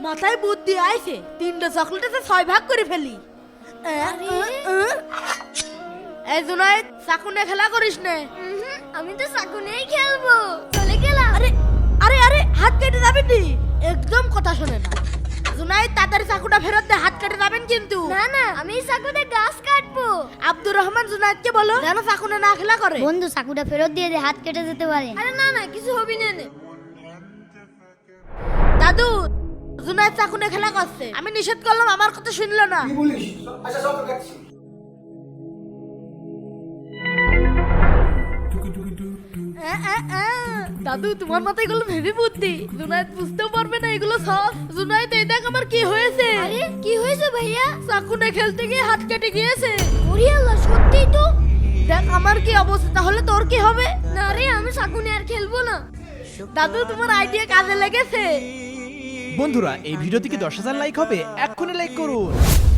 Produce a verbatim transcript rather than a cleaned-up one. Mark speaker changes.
Speaker 1: মাথায় বুদ্ধি আইছে, তিনটা চকলেটে ছয় ভাগ করে ফেলি। এ, এ, এ। এই জুনায়েদ, চাকু নিয়ে খেলা করিস না।
Speaker 2: আমি তো চাকু নিয়েই খেলবো, চলে গেলাম।
Speaker 1: আরে আরে আরে হাত কেটে যাবেন নি, একদম কথা শোনে না। জুনায়েদ, তাড়াতাড়ি চাকুটা ফেরত দে, হাত কেটে যাবেন কিন্তু।
Speaker 2: না না, আমি এই চাকুতে গাছ কাটবো।
Speaker 1: আব্দুর রহমান জুনায়েদকে বলো যেন চাকুনে না খেলা করে।
Speaker 2: বন্ধু চাকুটা ফেরত দিয়ে দে, হাত কেটে যেতে পারে। আরে না না, কিছু হবি না নে।
Speaker 1: দাদু, জুনায়েদ চাকুনে খেলা করছে, আমি নিষেধ করলাম, আমার কথা শুনলো না।
Speaker 3: কি বলিস? আচ্ছা সব কাটছি।
Speaker 1: এ, এ, এ। দাদু, তোমার মাথায় এগুলো ভেবে বুদ্ধি, জুনায়েদ বুঝতেও পারবে না এগুলো সব। জুনায়েদ, এই দেখ আমার কি হয়েছে।
Speaker 2: আরে কি হয়েছে ভাইয়া?
Speaker 1: চাকুনে খেলতে গিয়ে হাত কেটে গিয়েছে।
Speaker 2: ওরে আল্লাহ, সত্যিই তো।
Speaker 1: দেখ আমার কি অবস্থা, তাহলে তোর কি হবে?
Speaker 2: না রে, আমি চাকু নিয়ে আর খেলবো না।
Speaker 1: দাদু, তোমার আইডিয়া কাজে লেগেছে।
Speaker 4: বন্ধুরা, এই ভিডিওতে কি দশ হাজার লাইক হবে? এক্ষুনি লাইক করুন।